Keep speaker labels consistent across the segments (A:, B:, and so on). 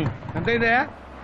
A: ఎంత అయిందా?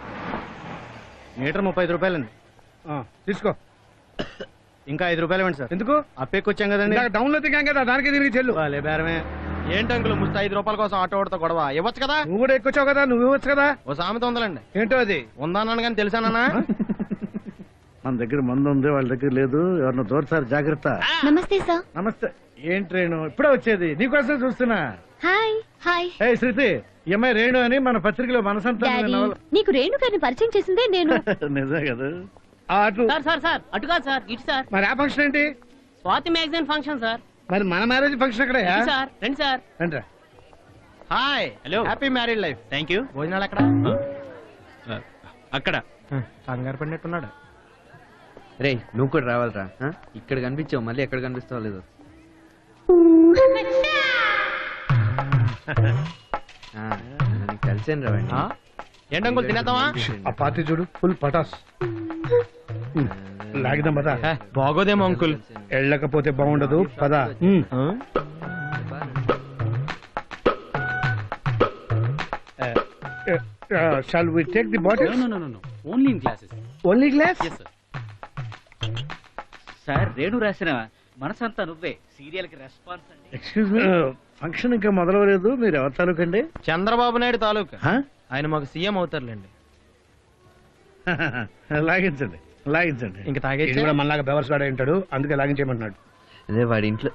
B: మీటర్ 35 రూపాయలండి.
A: తీసుకో.
B: ఇంకా 5 రూపాయలు ఇవ్వండి సార్.
A: ఎందుకు?
B: అప్పేకొచ్చాం కదండి.
A: డౌన్ లో దిగాం కదా, దానికి తిరిగి చెల్లు.
B: వాళ్ళే బేరమే. ఏంటి అంకుల్ ముస్తా 5 రూపాయల కోసం ఆటో ఓడితో గొడవ? ఇవ్వచ్చు కదా.
A: నువ్వు కూడా ఎక్కువచ్చావు కదా, నువ్వు ఇవ్వచ్చు కదా.
B: ఓ సామెత ఉందండి.
A: ఏంటో అది?
B: ఉందన్నాను కానీ తెలుసానా?
A: మన దగ్గర మందు ఉంది, వాళ్ళ దగ్గర లేదు. ఎవరినో దూరసారి జాగ్రత్త.
C: నమస్తే సార్.
A: నమస్తే. ఏం ట్రైన్ ఇప్పుడే వచ్చేది? నీకోసం చూస్తున్నా.
C: Hi hi.
A: ఏ శృతి, ఈ అమ్మాయి రేణు అని మన పత్రికలో మనసంతా.
C: నీకు రేణు గారిని పరిచయం చేసిందే నేను.
A: నిజం కదా. అటు
D: సార్ అటు కాదు సార్, ఇటు సార్.
A: మరి ఆ ఫంక్షన్ ఏంటి?
D: Swathi magazine function sir.
A: మరి మన మ్యారేజ్ ఫంక్షన్ అక్కడ
D: సార్. రండి సార్.
A: రండి.
B: Hi.
D: Hello.
B: Happy married life.
D: Thank you.
B: భోజనాలు ఎక్కడ?
D: అక్కడ.
B: కంగారు పడినట్టున్నాడు.
E: రే నువ్వు కూడా రావాలరా. ఇక్కడ కనిపించావు, మళ్ళీ ఎక్కడ కనిపిస్తావు లేదు. కలిసాను రావండి.
B: ఏంటి అంకుల్ తినేద్దామా?
A: ఆ పార్టీ చూడు, ఫుల్ పటాస్. లాగిదాం పదా.
B: బాగోదేమో అంకుల్.
A: వెళ్ళకపోతే బాగుండదు పదా. Shall we take the bottle?
D: No. Only in classes.
A: Only glass?
D: Yes, sir. Sir Renu రాసిన మనసంతా నువ్వే సీరియల్ కి రెస్పాన్స్ అండి.
A: ఎక్స్క్యూజ్ మీ, ఫంక్షన్ ఇంకా మొదలవలేదు. మీరు ఎవరి తాలూకండి?
B: చంద్రబాబు నాయుడు తాలూకా. ఆయన మాకు సీఎం అవుతారులేండి.
A: లాగించండి లాగించండి.
B: ఇంకా తాగేసి
A: కూడా మనలాగా బెవర్స్ వాడే ఉంటాడు, అందుకే లాగించేయమంటున్నాడు.
E: అదే వాడి ఇంట్లో.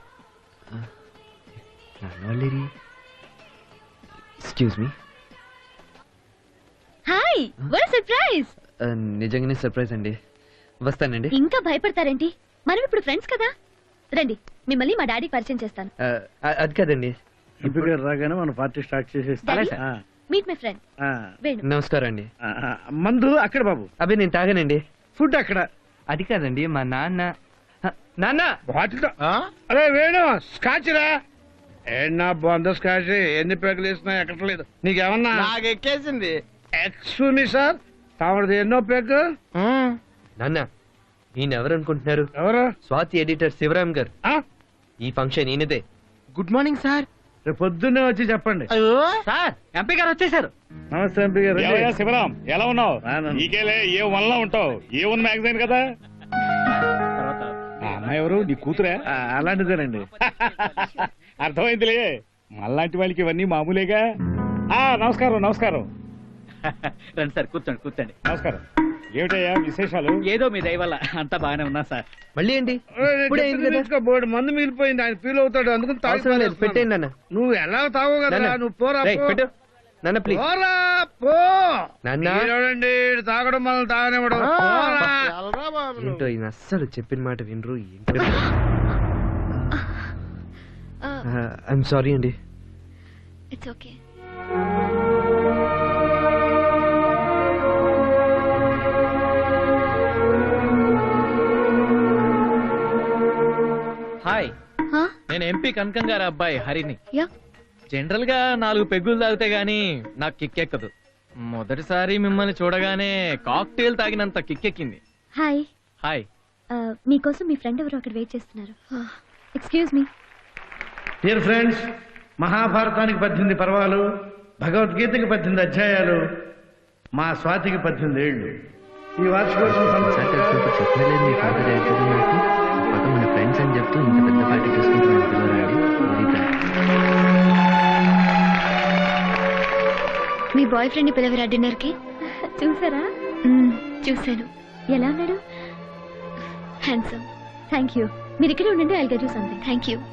E: Excuse me.
C: Hi, what surprise.
E: నిజంగానే సర్ప్రైజ్ అండి. వస్తానండి.
C: ఇంకా భయపడతారేంటి? మనం ఇప్పుడు ఫ్రెండ్స్ కదా. రండి, మిమ్మల్ని మా డాడీకి పరిచయం చేస్తాను.
E: అది కాదండి.
A: ఇప్పుడు రాగానే మన పార్టీ స్టార్ట్ చేసేస్తాం.
C: Meet my friend Venu.
E: నమస్కారం అండి.
A: మందు అక్కడ బాబు.
E: అవి నేను తాగానండి.
A: ఫుడ్ అక్కడ.
E: అది కాదండి, మా నాన్న
A: బాటిల్. అరే వేణు, స్కాచ్ రా. ఏనా బాగుందో స్కాచ్. ఎన్ని పేకలు వేసినా ఎక్కట్లేదు. నీకేమన్నా?
B: నాకు ఎక్కేసింది.
A: ఎక్స్క్యూజ్ మీ సార్, తామది ఎన్నో పేక?
E: నాన్న ఈయన ఎవరు అనుకుంటున్నారు?
A: ఎవరు?
E: స్వాతి ఎడిటర్ శివరాం గారు. ఈ ఫంక్షన్ ఈయనదే.
B: Good morning sir.
A: రేపు పొద్దున్నే వచ్చి చెప్పండి.
D: సార్ ఎంపీ గారు వచ్చేసారు.
A: నమస్తే ఎంపీ గారు.
F: శివరాం, ఎలా ఉన్నావు? నీకేలే ఏ వన్లా ఉంటావు. ఏ వన్ మ్యాగజైన్ కదా. అమ్మాయి ఎవరు? నీ కూతురే?
A: అలాంటిదేనండి.
F: అర్థమైందిలే, మళ్ళాంటి వాళ్ళకి ఇవన్నీ మామూలేగా. నమస్కారం నమస్కారం.
D: రండి సార్, కూర్చోండి.
F: నమస్కారం. ఏమిటయ్యా విశేషాలు?
D: ఏదో మీ దయ వల్ల అంతా బాగానే ఉన్నా సార్.
E: మళ్ళీ ఏంటి?
A: బోర్డు మందు మిగిలిపోయింది, ఆయన ఫీల్ అవుతాడు, అందుకని
E: పెట్టేయండి నాన్న.
A: నువ్వు ఎలా తావు కదా. నువ్వు పోరా
E: పెట్టు నాన్న, ప్లీజ్.
A: పోరా పో
E: నాన్న.
A: చూడండి, తాగడం మనల్ని తాగనివ్వడం.
E: ఏంటో ఈయన అస్సలు చెప్పిన మాట వినరు. ఏంటో. ఐఎమ్ సారీ అండి.
C: It's okay.
D: హాయ్, నేను ఎంపీ కనకం గారి అబ్బాయి హరిని.
C: యా.
D: జనరల్ గా 4 పెగ్గులు తాగితే గానీ నాకు కిక్కెక్కదు. మొదటిసారి మిమ్మల్ని చూడగానే కాక్టైల్ తాగినంత కిక్కెక్కింది.
C: హాయ్.
D: హాయ్.
C: మీకోసం మీ ఫ్రెండ్ ఎవరు అక్కడ వెయిట్ చేస్తున్నారు. Excuse me.
A: డియర్ ఫ్రెండ్స్, మహాభారతానికి 18 పర్వాలు, భగవద్గీతకి 18 అధ్యాయాలు, మా స్వాతికి 18 ఏళ్ళు. ఈ వార్షికోత్సవం
E: చెప్పలేదు మీ ఫాదర్ అవుతుంది నాకు. పక్క మన ఫ్రెండ్స్ అని చెప్తూ ఇంత పెద్ద పార్టీ చేసుకుంటున్నాను పిల్లవాడండి.
C: మీ బాయ్ ఫ్రెండ్ ని పిలవరా డిన్నర్ కి? చూసారా? చూశాను. ఎలా ఉన్నాడు? హ్యాండ్సమ్. Thank you. మీరు ఇక్కడే ఉండండి, I'll get you something. Thank you.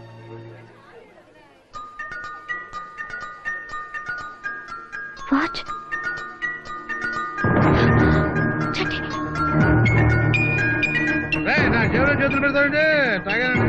C: What?
A: నా జీవన చేతులు పెడతాడండి. తాగానండి.